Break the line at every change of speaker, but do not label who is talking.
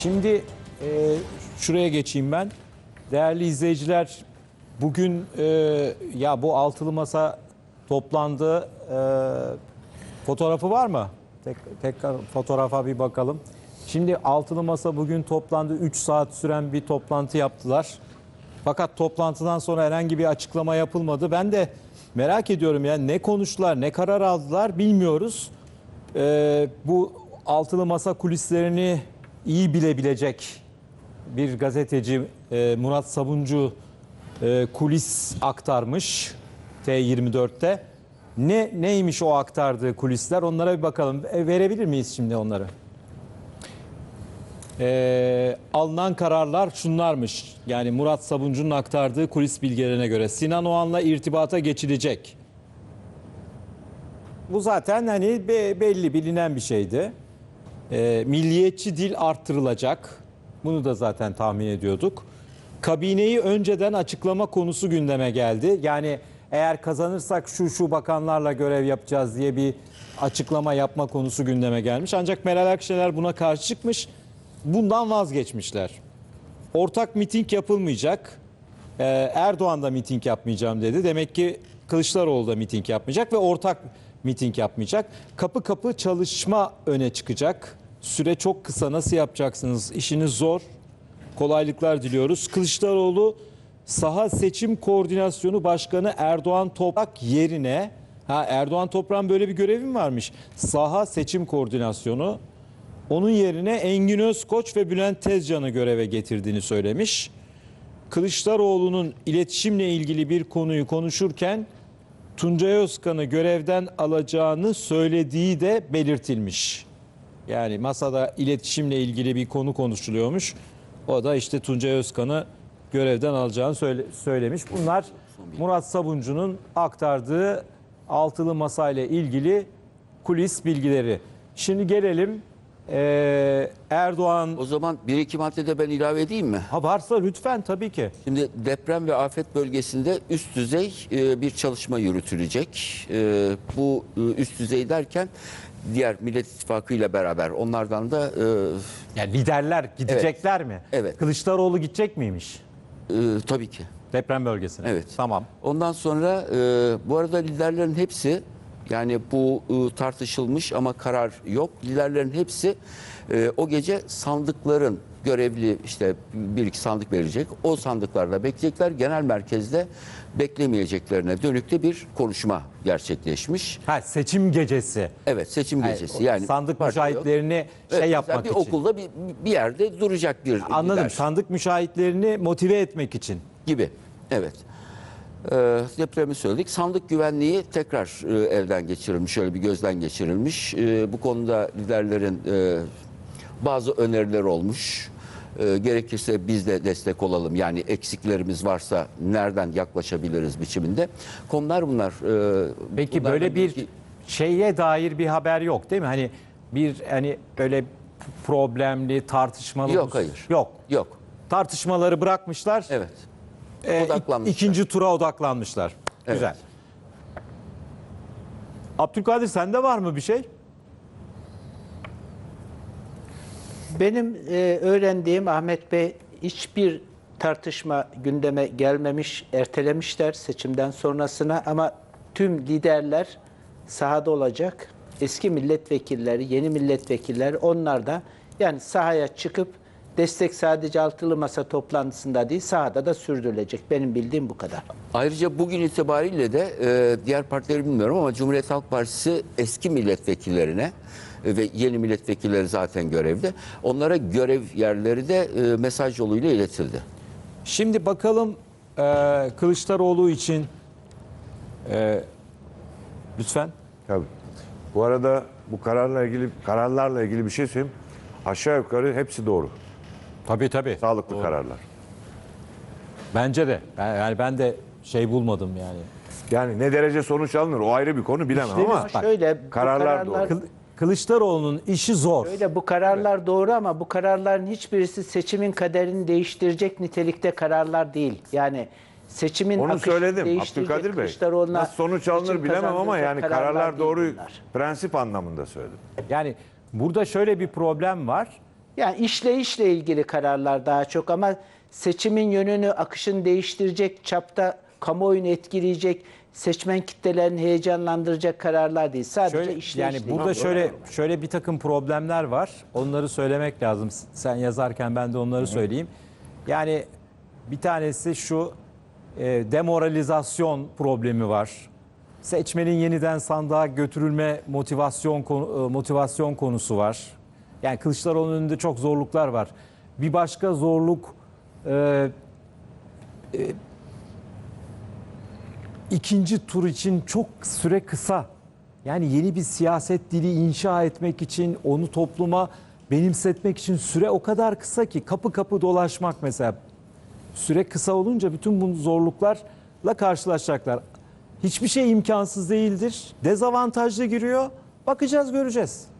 Şimdi şuraya geçeyim ben. Değerli izleyiciler, bugün ya bu altılı masa toplandı. Fotoğrafı var mı? Tekrar fotoğrafa bir bakalım. Şimdi altılı masa bugün toplandı. 3 saat süren bir toplantı yaptılar. Fakat toplantıdan sonra herhangi bir açıklama yapılmadı. Ben de merak ediyorum ya, ne konuştular, ne karar aldılar bilmiyoruz. Bu altılı masa kulislerini iyi bilebilecek bir gazeteci Murat Sabuncu kulis aktarmış T24'te. Neymiş o aktardığı kulisler? Onlara bir bakalım. Verebilir miyiz şimdi onları? Alınan kararlar şunlarmış. Yani Murat Sabuncu'nun aktardığı kulis bilgilerine göre Sinan Oğan'la irtibata geçilecek. Bu zaten hani belli bilinen bir şeydi. Milliyetçi dil arttırılacak. Bunu da zaten tahmin ediyorduk. Kabineyi önceden açıklama konusu gündeme geldi. Yani eğer kazanırsak şu bakanlarla görev yapacağız diye bir açıklama yapma konusu gündeme gelmiş. Ancak Meral Akşener buna karşı çıkmış. Bundan vazgeçmişler. Ortak miting yapılmayacak. Erdoğan da miting yapmayacağım dedi. Demek ki Kılıçdaroğlu da miting yapmayacak ve ortak miting yapmayacak. Kapı kapı çalışma öne çıkacak. Süre çok kısa. Nasıl yapacaksınız? İşiniz zor. Kolaylıklar diliyoruz. Kılıçdaroğlu Saha Seçim Koordinasyonu Başkanı Erdoğan Toprak yerine, Erdoğan Toprak'ın böyle bir görevi mi varmış? Saha Seçim Koordinasyonu. Onun yerine Engin Özkoç ve Bülent Tezcan'ı göreve getirdiğini söylemiş. Kılıçdaroğlu'nun iletişimle ilgili bir konuyu konuşurken Tuncay Özkan'ı görevden alacağını söylediği de belirtilmiş. Yani masada iletişimle ilgili bir konu konuşuluyormuş. O da işte Tuncay Özkan'ı görevden alacağını söylemiş. Bunlar Murat Sabuncu'nun aktardığı altılı masayla ilgili kulis bilgileri. Şimdi gelelim Erdoğan...
O zaman bir iki maddede ben ilave edeyim mi?
Ha, varsa lütfen, tabii ki.
Şimdi deprem ve afet bölgesinde üst düzey bir çalışma yürütülecek. Bu üst düzey derken diğer Millet İttifakı ile beraber onlardan da...
Yani liderler gidecekler mi?
Evet.
Kılıçdaroğlu gidecek miymiş
tabii ki.
deprem bölgesine?
Evet.
Tamam.
Ondan sonra bu arada liderlerin hepsi, yani bu tartışılmış ama karar yok. Liderlerin hepsi o gece sandıkların görevli, işte bir iki sandık verecek. O sandıklarda bekleyecekler. Genel merkezde beklemeyeceklerine dönük de bir konuşma gerçekleşmiş.
Seçim gecesi.
Evet, seçim gecesi. Yani
sandık
parti yok.
müşahitlerini
Evet,
yapmak
bir
için.
okulda bir yerde duracak bir
Anladım.
lider
Sandık müşahitlerini motive etmek için.
gibi. Evet. Depremi söyledik. Sandık güvenliği tekrar elden geçirilmiş, şöyle bir gözden geçirilmiş. Bu konuda liderlerin bazı önerileri olmuş. Gerekirse biz de destek olalım. Yani eksiklerimiz varsa nereden yaklaşabiliriz biçiminde. Konular bunlar.
Peki böyle bir şeye dair bir haber yok değil mi? Hani böyle problemli, tartışmalı...
Yok, hayır.
Yok.
Yok.
Tartışmaları bırakmışlar.
Evet. Odaklanmışlar.
İkinci tura odaklanmışlar.
Evet.
Güzel. Abdülkadir, sende var mı bir şey?
Benim öğrendiğim, Ahmet Bey, hiçbir tartışma gündeme gelmemiş, ertelemişler seçimden sonrasına, ama tüm liderler sahada olacak. Eski milletvekilleri, yeni milletvekilleri, onlar da yani sahaya çıkıp destek sadece altılı masa toplantısında değil, sahada da sürdürülecek. Benim bildiğim bu kadar.
Ayrıca bugün itibariyle de diğer partileri bilmiyorum ama Cumhuriyet Halk Partisi eski milletvekillerine ve yeni milletvekilleri zaten görevde. Onlara görev yerleri de mesaj yoluyla iletildi.
Şimdi bakalım Kılıçdaroğlu için lütfen.
Tabii. Bu arada bu kararlarla ilgili bir şey söyleyeyim. Aşağı yukarı hepsi doğru.
Tabii.
Sağlıklı kararlar.
Bence de. Ben de bulmadım yani.
Yani ne derece sonuç alınır o ayrı bir konu, bilemem
İşte
ama
bak,
şöyle
kararlar doğru.
Kılıçdaroğlu'nun işi zor.
Öyle, bu kararlar doğru ama bu kararların hiçbirisi seçimin kaderini değiştirecek nitelikte kararlar değil. Yani seçimin
Onu
akışını
söyledim
değiştirecek,
Abdülkadir Bey.
Kılıçdaroğlu'na
Nasıl sonuç alınır
seçim
bilemem ama yani
kazandıracak
kararlar
değil
doğru,
bunlar.
prensip anlamında söyledim.
Yani burada şöyle bir problem var.
Yani işleyişle ilgili kararlar daha çok ama seçimin yönünü, akışını değiştirecek çapta kamuoyunu etkileyecek, seçmen kitlelerini heyecanlandıracak kararlar değil. Sadece
Şöyle,
işleyişle
yani
ilgili.
burada şöyle bir takım problemler var. Onları söylemek lazım. Sen yazarken ben de onları söyleyeyim. Yani bir tanesi şu, demoralizasyon problemi var. Seçmenin yeniden sandığa götürülme motivasyon konusu var. Yani Kılıçdaroğlu'nun önünde çok zorluklar var. Bir başka zorluk, ikinci tur için çok süre kısa. Yani yeni bir siyaset dili inşa etmek için, onu topluma benimsetmek için süre o kadar kısa ki, kapı kapı dolaşmak mesela. Süre kısa olunca bütün bu zorluklarla karşılaşacaklar. Hiçbir şey imkansız değildir. Dezavantajlı giriyor. Bakacağız, göreceğiz.